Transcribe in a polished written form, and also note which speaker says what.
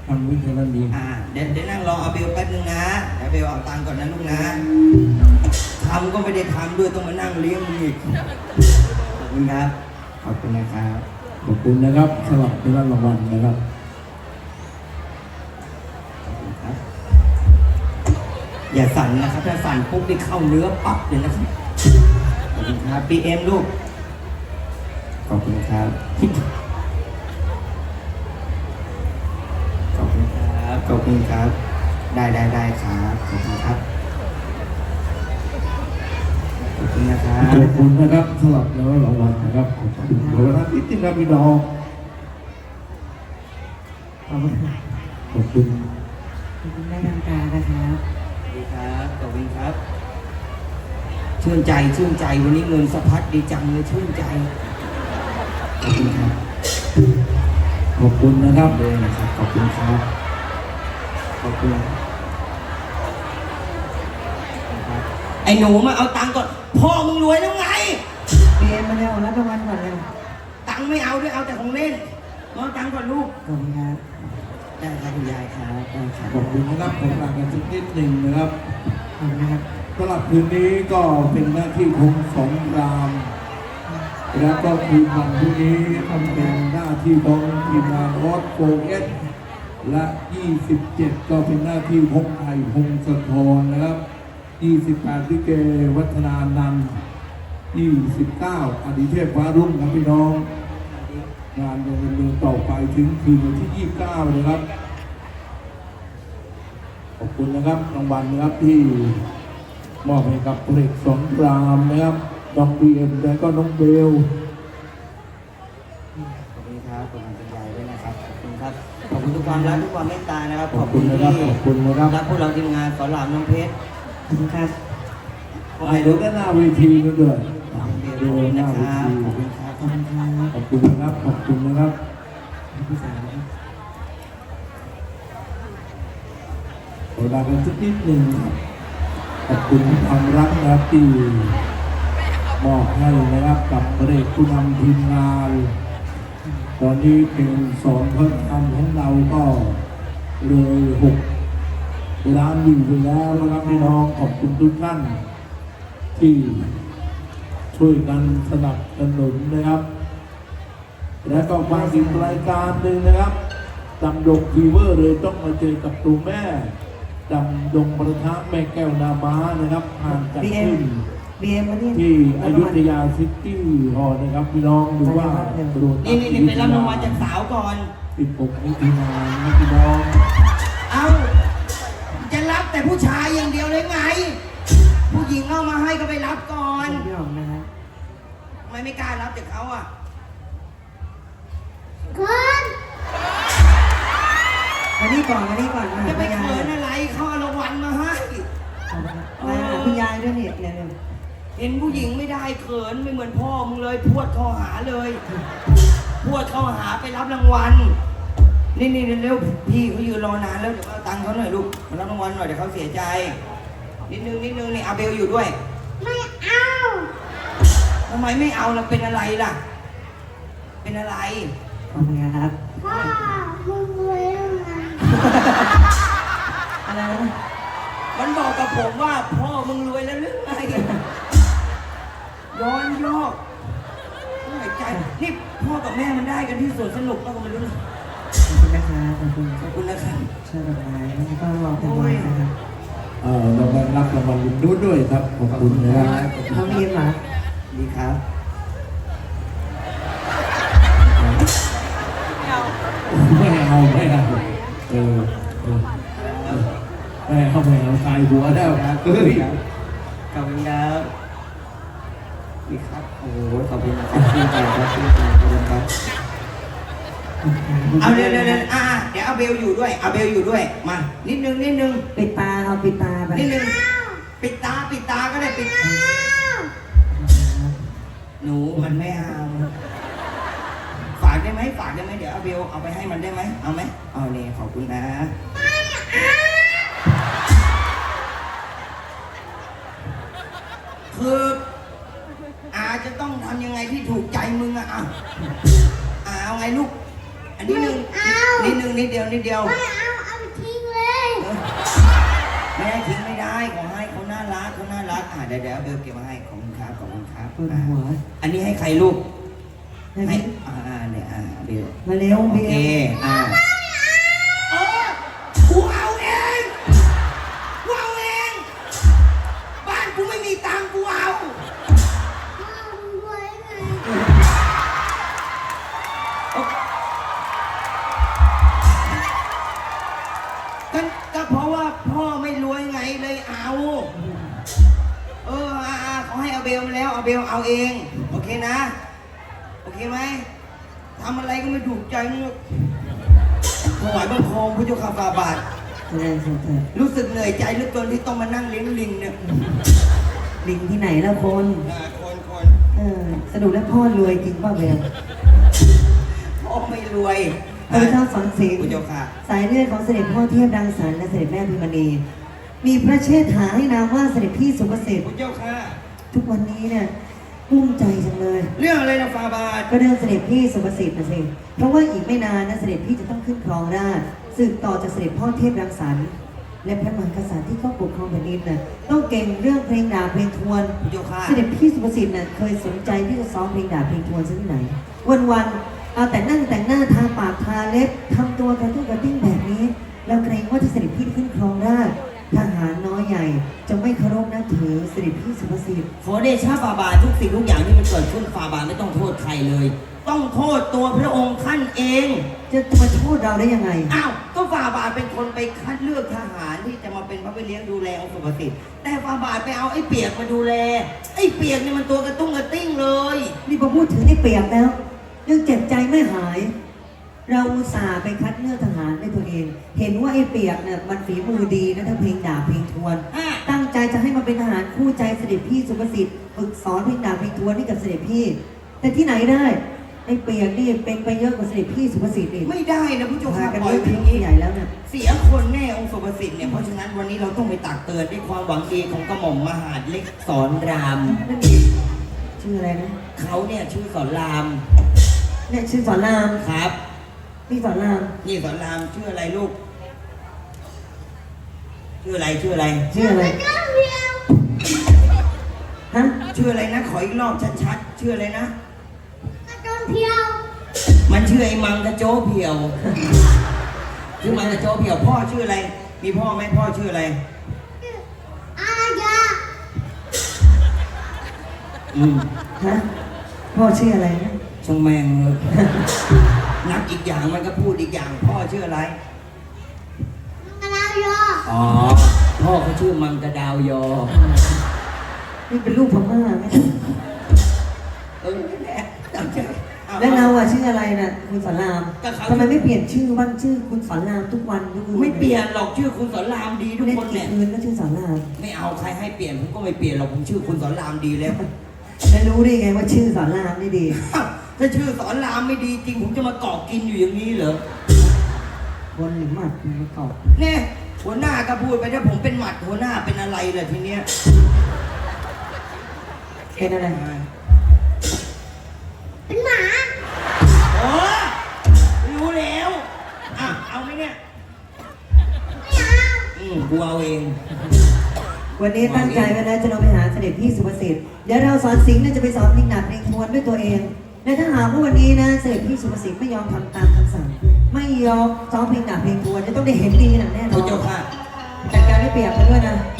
Speaker 1: ฟังวิทยาลัยดี
Speaker 2: เดี๋ยวนั่งรอเอาเบลแป๊บนึงนะเดี๋ยวเบลเอาตังค์ก่อนนะลูกนะทำก็ไม่ได้ทำด้วยต้องมานั่งเลี้ยงมึงอีกขอบคุณครับขอบคุณนะครับ
Speaker 1: ขอบคุณนะครับสำหรับที่รับรางวัลนะครับ
Speaker 2: ขอบคุณครับอย่าสั่นนะครับถ้าสั่นปุ๊บได้เข้าเนื้อปั๊บเลยนะครับขอบคุณครับพีเอ็มลูกขอบคุณครับขอบคุณครับขอบคุณครับได้ครับขอบคุณครับขอบคุณนะครับ
Speaker 1: ขอบคุณนะครับสำหรับแล้วรางวัลนะครับขอบคุณขอบคุณที่ติดตามพี่น้องขอบคุณ
Speaker 3: ขอบคุณแม่กำกานะครับ
Speaker 2: สวัสดีครับขอบคุณครับชื่นใจวันนี้เงินสะพัดดีจังเลยชื่นใจขอบคุณครับ
Speaker 1: ขอบคุณนะครับ
Speaker 2: เลยนะครับขอบคุณครับขอบคุณไอ้หนูมาเอาตังค์ก่อนพ่อมึงรวยแล้วไง
Speaker 3: เรียนมาแล้วรับรางวัลก่อนเลย
Speaker 2: ตังค์ไม่เอาด้วยเอาแต่ของเล่นเอาตังค์ก่อนลูก
Speaker 3: ขอบคุณครับ
Speaker 2: ได้ครับคุณยายครับได้ครับ
Speaker 1: ขอบคุณนะครับผมลากันสักนิดหนึ่งนะครับ
Speaker 3: ขอบคุณนะครับ
Speaker 1: สำหรับคืนนี้ก็เป็นหน้าที่ของสองรามแล้วก็คืนวันพรุ่งนี้ทำเป็นหน้าที่ของทีมงานออสโฟเอสและ 27 ก็เป็นหน้าที่พงไทยพงศธรนะครับ 28 ลิเกวัฒนานันท์29 อดิเทพฟ้ารุ่งครับพี่น้อง งานยังดำเนินต่อไปถึงคืนวันที่ 29 นะครับ ขอบคุณนะครับรางวัลนะครับที่มอบให้กับพลเอกสงกรามนะครับน้องบีเอ็มและก็น้องเบล
Speaker 2: ขอบคุณครับขอบคุณคุณยายด้วยนะครับขอบคุณครับขอบคุณทุกความรักทุกความเมตตานะครับ
Speaker 1: ขอบคุณนะครับ
Speaker 2: ที่
Speaker 1: ขอบคุณนะครับ
Speaker 2: รักพวกเราทีมงานสอนรามน้องเพชร
Speaker 3: ขอบคุณครับ
Speaker 1: ไปดูด้านหน้าเวทีกันด้วย
Speaker 2: ขอบ
Speaker 1: ดู
Speaker 2: คุณ
Speaker 1: ห
Speaker 2: นะ
Speaker 1: น้า
Speaker 2: ค
Speaker 1: เว
Speaker 2: รับ
Speaker 1: ที
Speaker 2: ขอบคุณครับ
Speaker 3: ขอบคุณครับ
Speaker 1: ขอบคุณนะครับขอบคุณนะครับ
Speaker 3: พี่สาวครับ
Speaker 1: ขอลากันสักนิดหนึ่งครับขอบคุณความรักนะครับที่มอบให้นะครับกับพลเอกผู้นำทีมงาน ตอนนี้เป็นสอนพระธรรมของเราก็เลย6 ล้านวิวไปแล้วนะครับพี่น้องขอบคุณทุกท่านที่ช่วยกันสนับสนุนนะครับ และก็มาอีกรายการหนึ่งนะครับดำดงฟีเวอร์เลยต้องมาเจอกับตัวแม่ดำดงประทะแม่แก้วนาม้านะครับผ่านจาก
Speaker 3: บีเอ็ม
Speaker 1: ขึ้น
Speaker 3: บีเอ็มมานี่
Speaker 1: ที่อยุธยาซิตี้ฮอลล์นะครับพี่น้องหรือว่าโรตัส
Speaker 2: นี่ไปรับรางวัลจากสาวก่อน
Speaker 1: 16 มิถุนายนนะพี่น้อง
Speaker 2: เอาจะรับแต่ผู้ชายอย่างเดียวเลยไง ผู้หญิงเอามาให้ก็ไปรับก่อน
Speaker 3: พี่หอมนะครับ
Speaker 2: ทำไมไม่กล้ารับจากเขาอ่ะ
Speaker 3: มานี่ก่อนมาหา
Speaker 2: จะไป
Speaker 3: คุณยาย
Speaker 2: เขินอะไรเขาเอารางวัลมาให้
Speaker 3: มาหาคุณยายด้วยเนี่ยเร็ว
Speaker 2: เห็นผู้หญิงไม่ได้เขินไม่เหมือนพ่อมึงเลยพวดเข้าหาเลยพวดเข้าหาไปรับรางวัลนี่เร็วๆพี่เขายืนรอนานแล้วเดี๋ยวเอาตังค์เขาหน่อยลูกมารับรางวัลหน่อยเดี๋ยวเขาเสียใจนิดนึงนี่อาเบลอยู่ด้วยไม่เอาทำไมไม่เอาล่ะเป็นอะไรล่ะ เป็นอะไร
Speaker 3: ๆขอบคุณครับ
Speaker 4: พ่อมึงรวยแล้วไง
Speaker 3: อะไรนะ
Speaker 2: มันบอกกับผมว่าพ่อมึงรวยแล้วหรือไงย้อนยอกหายใจนี่พ่อกับแม่มันได้กันที่สวนสนุกก็ไม่รู้นะ
Speaker 3: ขอบคุณนะครับขอบคุณ
Speaker 2: ขอบคุณนะครับ
Speaker 3: ช่วยดอกไม้แล้วก็รอเป็นวันนะครับ
Speaker 1: เราได้รับรางวัลลุ้นด้วยครับขอบคุณนะครับ
Speaker 3: เขาบีเอ็มเหรอ
Speaker 2: ดีครับ
Speaker 1: ไม่เอาไม่เอาเออไม่เอาตายหัวแล้วเฮ้ย
Speaker 2: ขอบคุณครับดีครับโอ้โหขอบคุณครับชื่นใจครับชื่นใจขอบคุณครับเอาเร็วเดี๋ยวเอาเบลอยู่ด้วยเอาเบลอยู่ด้วยมานิดนึง
Speaker 3: ปิดตาเอาปิดตาไป
Speaker 2: นิดนึงปิดตาก็ได้ปิดหนูมันไม่เอาฝากได้ไหมเดี๋ยวเอาเบลเอาไปให้มันได้ไหมเอาไหมเอาเนี่ยขอบคุณนะคืออาจะต้องทำยังไงที่ถูกใจมึงอะเอาไงลูกอันนี้นิดนึงนิดเดียวนิดเดียว
Speaker 4: ไม่เอาไปทิ้งเลย
Speaker 2: ไม่ได้ทิ้งไม่ได้ขอให้เขาน่ารักเขาน่ารักเดี๋ยวเบลเก็บมาให้ขอบคุณครับขอบคุณครับ
Speaker 3: ปวดหัว
Speaker 2: อันนี้ให้ใครลูก
Speaker 3: ให้
Speaker 2: ให้
Speaker 3: พี่
Speaker 2: เนี่ยเบล
Speaker 3: มาเร็ว
Speaker 2: โอ
Speaker 3: เบี
Speaker 2: เค
Speaker 3: ยร์
Speaker 2: เออกูเอาเองกูเอาเองบ้านกูไม่มีตังค์กูเอา
Speaker 4: พ่อมึงรวยไง
Speaker 2: ก็เพราะว่าพ่อไม่รวยไงเลยเอา เขาให้เอาเบลมาแล้วเอาเบลเอาเอง โอเคนะ โอเคไหมทำอะไรก็ไม่ถูกใจมึงถวายบังคมพระเจ้าข้าฝ่าบาท
Speaker 3: แสดงสดเถิด
Speaker 2: รู้สึกเหนื่อยใจเหลือเกินที่ต้องมานั่งเลี้ยงลิงเนี่ย
Speaker 3: ลิงที่ไหนแล้วคน
Speaker 2: คน
Speaker 3: สรุปแล้วพ่อรวยจริงป่ะเบล
Speaker 2: พ่อไม่รวย
Speaker 3: พระเจ้าสอนสิงห์
Speaker 2: พระเจ้าค่ะ
Speaker 3: สายเลือดของเสด็จพ่อเทียบรังสรรค์และเสด็จแม่พิมณีมีพระเชษฐาให้นามว่าเสด็จพี่สุภสิทธิ์
Speaker 2: พระเจ้าค่ะ
Speaker 3: ทุกวันนี้เนี่ยกุ้มใจจังเลย
Speaker 2: เรื่องอะไรนะฝ่าบาท
Speaker 3: ก็เรื่องเสด็จพี่สุภสิทธิ์นะสิเพราะว่าอีกไม่นานนะเสด็จพี่จะต้องขึ้นครองราชย์สืบต่อจากเสด็จพ่อเทพรังสรรค์และพระมหากษัตริย์ที่เขาปกครองแผ่นดินน่ะต้องเก่งเรื่องเพลงดาบเพลงทวน
Speaker 2: พระเจ้าค่ะ
Speaker 3: เสด็จพี่สุภสิทธิ์น่ะเคยสนใจที่จะซ้อมเพลงดาบเพลงทวนซะที่ไหน วันๆเอาแต่นั่งแต่งหน้าทาปากทาเล็บทำตัวกระตุ้นกระติ้งแบบนี้แล้วเกรงว่าจะเสด็จพี่ขึ้นครองราชย์ทหารน้อยใหญ่จะไม่เคารพนับถือเสด็จพี่สุภสิทธิ์
Speaker 2: ขอเดชะฝ่าบาททุกสิ่งทุกอย่างที่มันเกิดขึ้นฝ่าบาทไม่ต้องโทษใครเลย ต้องโทษตัวพระองค์ท่านเอง
Speaker 3: จะมาโทษเราได้ยังไง
Speaker 2: อ้าวก็ฝ่าบาทเป็นคนไปคัดเลือกทหารที่จะมาเป็นพระพี่เลี้ยงดูแลองค์สุภสิทธิ์แต่ฝ่าบาทไปเอาไอ้เปียกมาดูแลไอ้เปียกนี่มันตัวกระตุ้งกระติ้งเลย
Speaker 3: นี่พอพูดถึงไอ้เปียกแล้วยังเจ็บใจไม่หาย เราอุตส่าห์ไปคัดเลือกทหารด้วยตัวเอง เห็นว่าไอ้เปียกเนี่ยมันฝีมือดีนะทั้งเพลงดาบเพลงทวน ตั้งใจจะให้มันเป็นทหารคู่ใจเสด็จพี่สุภสิทธิ์ฝึกสอนเพลงดาบเพลงทวนให้กับเสด็จพี่ แต่ที่ไหนได้ไอ้เปียกนี่เป็นไปเยอะกว่าเสด็จพี่สุภสิทธิ์อีก
Speaker 2: ไม่ได้นะผู้ชม
Speaker 3: พา
Speaker 2: ค่ะ
Speaker 3: กัน
Speaker 2: ปล่อย
Speaker 3: เลิก
Speaker 2: ไป
Speaker 3: ทิ้
Speaker 2: อง ย่างนี้
Speaker 3: ใหญ่แล้วเนี่ย
Speaker 2: เสียคนแน่องค์สุภสิทธิ์เนี่ยเพราะฉะนั้นวันนี้เราต้องไปตักเตือนด้วยความหวังดีของกระหม่อมมหาดเล็กสอนราม
Speaker 3: ชื่ออะไรนะ
Speaker 2: เขาเนี่ยชื่อสอนราม
Speaker 3: เนี่ยชื่อสอนราม
Speaker 2: ครับ
Speaker 3: พี่สอนราม
Speaker 2: นี่สอนรามชื่ออะไรลูก ชื่ออะไรชื่ออะไร
Speaker 3: ชื่ออะไร
Speaker 4: เจ้าเพียว
Speaker 3: ฮะ
Speaker 2: ชื่ออะไรนะขออีกรอบชัดๆชื่ออะไรนะ
Speaker 4: กระโดนเพียว
Speaker 2: มันชื่อไอ้มังกะโจเพียว ชื่อมังกะโจเพียว พ่อชื่ออะไร มีพ่อไหมพ่อชื่ออะไร
Speaker 4: อายา
Speaker 3: ฮะพ่อชื่ออะไรนะ
Speaker 2: ช่างแม่งเลยนักอีกอย่างมันก็พูดอีกอย่าง พ่อชื่ออะไร
Speaker 4: มังกรายอ
Speaker 2: อ๋อ พ่อเขาชื่อมังกะดาวยอ
Speaker 3: นี่เป็นลูกพม่าไหม
Speaker 2: แหละจำชื่ออ
Speaker 3: แล้วเราอะชื่ออะไรน่ะคุณสอนราม
Speaker 2: ก็เขา
Speaker 3: ทำไมไม่เปลี่ยนชื่อบ้างชื่อคุณสอนรามทุกวันทุกคืน
Speaker 2: ไม่เปลี่ยนหรอกชื่อคุณสอนรามดีทุก
Speaker 3: เล่น
Speaker 2: คน
Speaker 3: กี่
Speaker 2: เนี่ย
Speaker 3: คืนก็ชื่อสอนราม
Speaker 2: ไม่เอาใครให้เปลี่ยนผมก็ไม่เปลี่ยนหรอกผมชื่อคุณสอนรามดีแล้ว
Speaker 3: แล้วรู้ได้ไงว่าชื่อสอนรามนี่ดี
Speaker 2: ถ้าชื่อสอนรามไม่ดีจริงผมจะมาเกาะกินอยู่อย่างนี้เหรอบ
Speaker 3: นหรือหมัดมันประกอบ
Speaker 2: เนี่ยหัวหน้าก็พูดไปถ้าผมเป็นหมัดหัวหน้าเป็นอะไรล่ะทีเนี้ย
Speaker 3: เป็นอะไร
Speaker 4: เป็นหมา
Speaker 2: โอ้รู้แล้วเอาไหมเนี่ย
Speaker 4: ไม่เอา
Speaker 2: กูเอาเอง
Speaker 3: วันนี้ตั้งใจไว้แล้วจะลงไปหาเสด็จพี่สุภสิทธิ์เดี๋ยวเราสอนสิงห์เนี่ยจะไปสอนเพลงดาบเพลงทวนด้วยตัวเองและถ้าหากว่าวันนี้นะเสด็จพี่สุภสิทธิ์ไม่ยอมทำตามคำสั่ง ไม่ยอมซ้อมเพลงดาบเพลงทวนจะต้องได้เห็นดีหนักแน่น
Speaker 2: พ
Speaker 3: อ
Speaker 2: ระ
Speaker 3: น
Speaker 2: เจ้าค่ะ
Speaker 3: จัดการให้เปียกมาด้วยนะ